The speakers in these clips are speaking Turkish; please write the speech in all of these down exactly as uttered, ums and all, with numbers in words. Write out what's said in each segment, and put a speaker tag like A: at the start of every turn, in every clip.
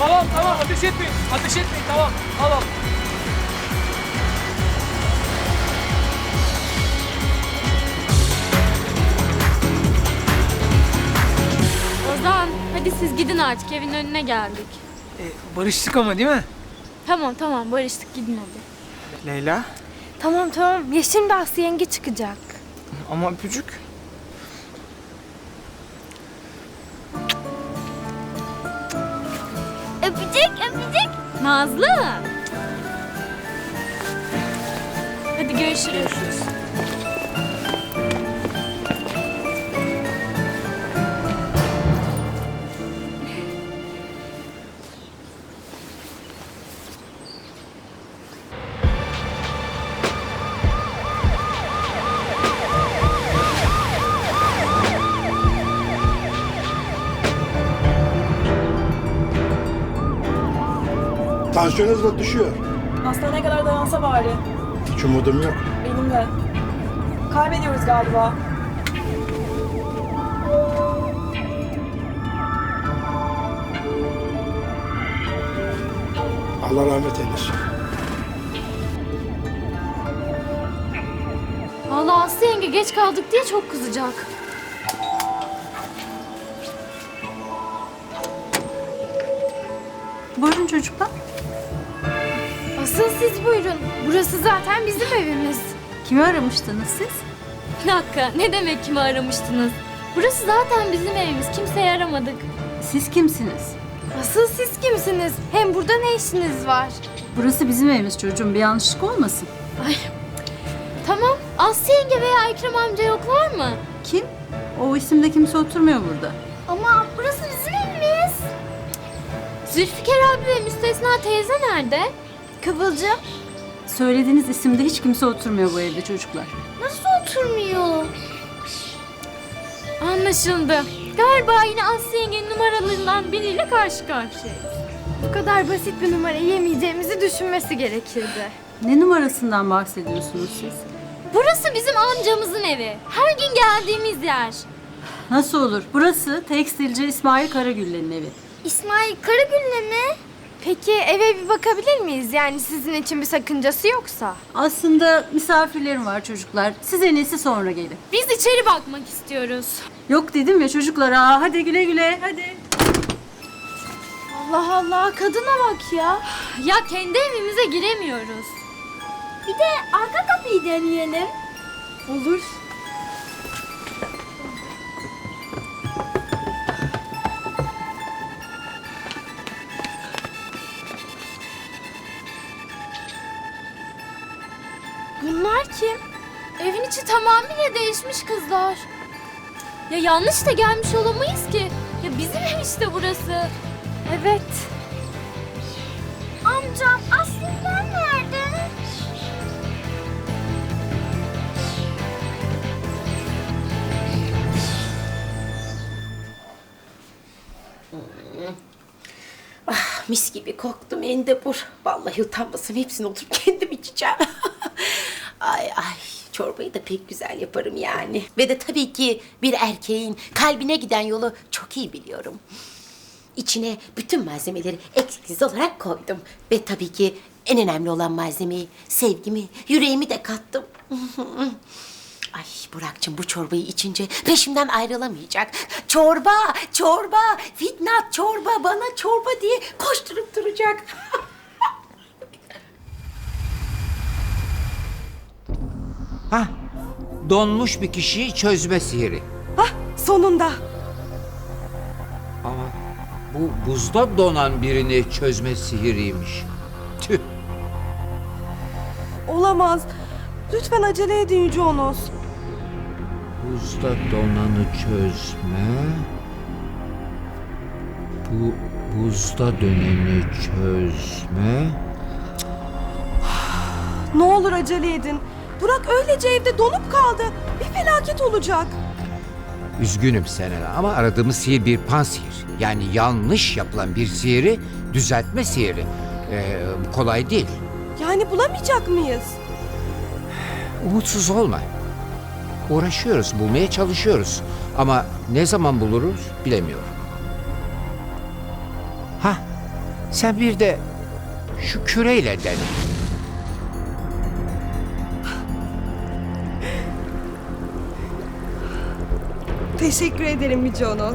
A: Tamam tamam ateş etmeyin. Ateş etmeyin tamam. Al al.
B: Ozan, hadi siz gidin artık, evin önüne geldik.
A: E, barıştık ama değil mi?
B: Tamam tamam, barıştık, gidin hadi.
A: Leyla.
C: Tamam tamam. Ya şimdi Aslı yenge çıkacak.
A: Ama öpücük.
C: Öpecek öpecek.
B: Nazlı! Hadi görüşürüz.
D: Tansiyonunuz da düşüyor.
E: Hastaneye kadar dayansa bari.
D: Hiç umudum yok.
E: Benim de. Kaybediyoruz galiba.
D: Allah rahmet eylesin.
B: Vallahi Aslı yenge geç kaldık diye çok kızacak.
C: Buyurun çocuklar. Asıl siz buyurun. Burası zaten bizim evimiz.
F: Kimi aramıştınız siz?
B: Bir dakika, ne demek kimi aramıştınız? Burası zaten bizim evimiz, kimseyi aramadık.
F: Siz kimsiniz?
C: Asıl siz kimsiniz? Hem burada ne işiniz var?
F: Burası bizim evimiz çocuğum. Bir yanlışlık olmasın.
B: Ay, tamam, Aslı yenge veya Ekrem amca yoklar mı?
F: Kim? O isimde kimse oturmuyor burada.
C: Ama burası bizim evimiz.
B: Zülfikar abi ve Müstesna teyze nerede?
C: Kıvılcım.
F: Söylediğiniz isimde hiç kimse oturmuyor bu evde çocuklar.
C: Nasıl oturmuyor?
B: Anlaşıldı. Galiba yine Aslı yengenin numaralarından biriyle karşı karşıyayız.
C: Bu kadar basit bir numara yemeyeceğimizi düşünmesi gerekirdi.
F: Ne numarasından bahsediyorsunuz siz?
B: Burası bizim amcamızın evi. Her gün geldiğimiz yer.
F: Nasıl olur? Burası tekstilci İsmail Karagüller'in evi.
C: İsmail Karagül'le mi? Peki eve bir bakabilir miyiz? Yani sizin için bir sakıncası yoksa.
F: Aslında misafirlerim var çocuklar. Siz en iyisi sonra gelin.
B: Biz içeri bakmak istiyoruz.
F: Yok dedim ya çocuklar. Aa, hadi güle güle hadi.
C: Allah Allah, kadına bak ya.
B: Ya kendi evimize giremiyoruz.
C: Bir de arka kapıyı deneyelim. Olur. Bunlar kim?
B: Evin içi tamamıyla değişmiş kızlar. Ya yanlış da gelmiş olamayız ki. Ya bizim ev işte burası.
C: Evet. Amcam aslında nerede?
G: Ah, mis gibi koktu mendebur. Vallahi utanmasam hepsini oturup kendim içeceğim. Ay ay, çorbayı da pek güzel yaparım yani. Ve de tabii ki bir erkeğin kalbine giden yolu çok iyi biliyorum. İçine bütün malzemeleri eksiksiz olarak koydum. Ve tabii ki en önemli olan malzemeyi, sevgimi, yüreğimi de kattım. Ay Burak'cığım bu çorbayı içince peşimden ayrılamayacak. Çorba, çorba, Fitnat çorba, bana çorba diye koşturup duracak.
H: Hah, donmuş bir kişiyi çözme sihiri.
E: Sonunda.
H: Ama bu buzda donan birini çözme sihiriymiş. Tüh.
E: Olamaz. Lütfen acele edin Yüce Onos.
H: Buzda donanı çözme. Bu buzda döneni çözme.
E: Ne olur acele edin. Burak öylece evde donup kaldı. Bir felaket olacak.
H: Üzgünüm Selena ama aradığımız sihir bir pansihir. Yani yanlış yapılan bir sihiri düzeltme sihiri. Ee, bu kolay değil.
E: Yani bulamayacak mıyız?
H: Umutsuz olma. Uğraşıyoruz, bulmaya çalışıyoruz. Ama ne zaman buluruz bilemiyorum. Ha, Sen bir de şu küreyle dene.
E: Teşekkür ederim Yüce Onos.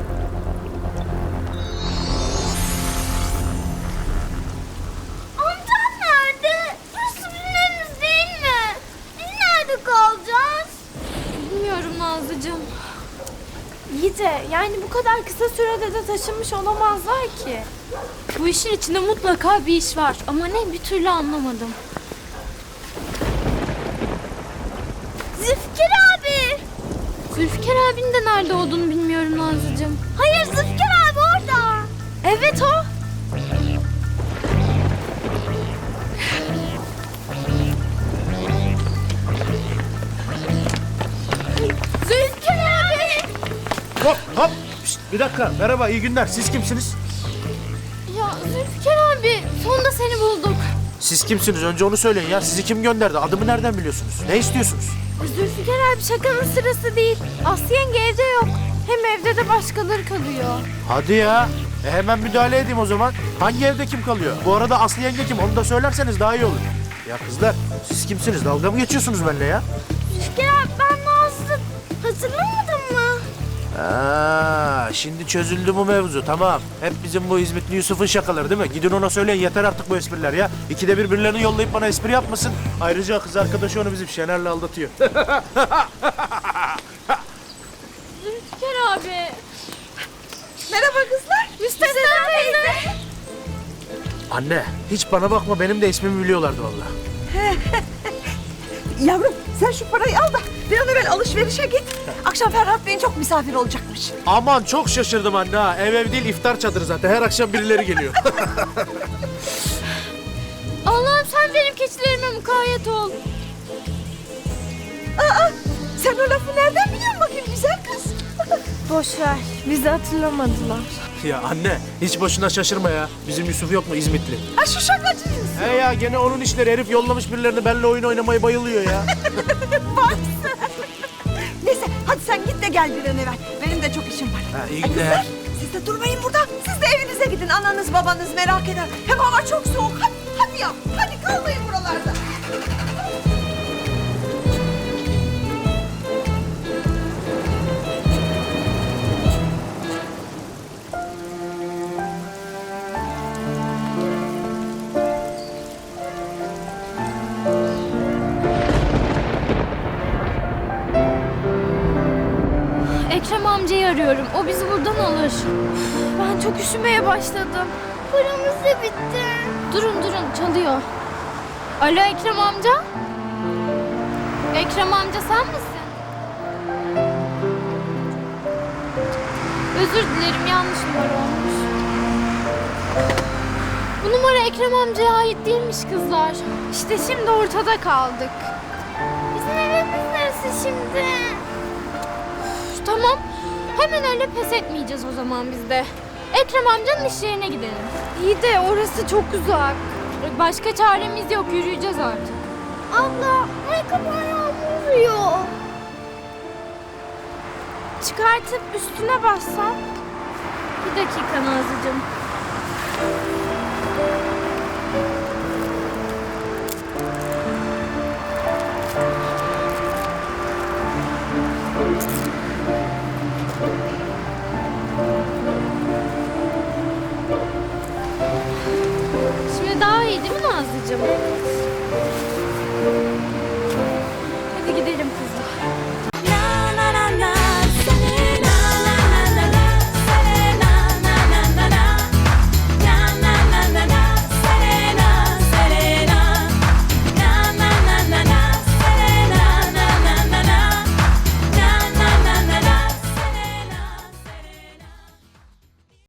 B: Amcam nerede? Burası bizim evimiz değil mi? Biz nerede kalacağız? Bilmiyorum Nazlıcığım.
C: İyi de yani bu kadar kısa sürede de taşınmış olamazlar ki.
B: Bu işin içinde mutlaka bir iş var ama ne bir türlü anlamadım. Zülfikar abi! Zülfikar abinin de nerede olduğunu bilmiyorum Nazlıcığım. Hayır Zülfikar abi orada.
C: Evet o.
B: Zülfikar abi!
I: Hop hop. Şişt, bir dakika. Merhaba, iyi günler. Siz kimsiniz?
B: Ya Zülfikar abi sonunda seni bulduk.
I: Siz kimsiniz? Önce onu söyleyin ya. Sizi kim gönderdi? Adımı nereden biliyorsunuz? Ne istiyorsunuz?
C: Zülfikar abi şakanın sırası değil. Aslı yenge evde yok. Hem evde de başkaları kalıyor.
I: Hadi ya. E hemen müdahale edeyim o zaman. Hangi evde kim kalıyor? Bu arada Aslı yenge kim? Onu da söylerseniz daha iyi olur. Ya kızlar, siz kimsiniz? Dalga mı geçiyorsunuz benimle ya?
C: Zülfikar abi ben Nazlı. Hatırlamadın mı?
I: Aa, şimdi çözüldü bu mevzu. Tamam. Hep bizim bu İzmitli Yusuf'un şakaları değil mi? Gidin ona söyleyin, yeter artık bu espriler ya. İkide bir birilerini yollayıp bana espri yapmasın. Ayrıca kız arkadaşı onu bizim Şener'le aldatıyor.
B: Zülfikar abi.
E: Merhaba kızlar.
C: Müstesna teyze.
I: Anne, hiç bana bakma, benim de ismimi biliyorlardı vallahi.
E: Yavrum sen şu parayı al da bir an evvel alışverişe git. Akşam Ferhat Bey'in çok misafir olacakmış.
I: Aman çok şaşırdım anne ha. Ev ev değil, iftar çadırı zaten. Her akşam birileri geliyor.
B: Allah'ım sen benim keçilerime mukayyet ol.
E: Aa, sen o lafı nereden biliyorsun bakayım güzel kız?
C: Boş ver. Bizi hatırlamadılar.
I: Ya anne, hiç boşuna şaşırma ya. Bizim Yusuf yok mu İzmitli?
E: Ha şu şakacıyız.
I: He ya, gene onun işleri. Herif yollamış birilerini, benimle oyun oynamayı bayılıyor ya.
E: Neyse hadi sen git de gel bir an evvel. Benim de çok işim var.
I: Ha, iyi
E: Ay,
I: günler.
E: kızlar, siz de durmayın burada. Siz de evinize gidin. Ananız babanız merak eder. Hem hava çok soğuk. Hadi, hadi ya. Hadi kalmayın buralarda.
B: Ekrem amcayı arıyorum. O bizi buradan alır.
C: Ben çok üşümeye başladım.
B: Paramız da bitti. Durun durun çalıyor. Alo Ekrem amca. Ekrem amca sen misin? Özür dilerim yanlış numara olmuş. Bu numara Ekrem amcaya ait değilmiş kızlar.
C: İşte şimdi ortada kaldık.
B: Bizim evimiz neresi şimdi? Üf, tamam. Hemen öyle pes etmeyeceğiz o zaman biz de. Ekrem amcanın iş yerine gidelim.
C: İyi de orası çok uzak.
B: Başka çaremiz yok. Yürüyeceğiz artık. Abla, ayakkabı ayağım vuruyor.
C: Çıkartıp üstüne bassan.
B: Bir dakika Nazlıcığım. Şimdi daha iyi değil mi Nazlıcığım?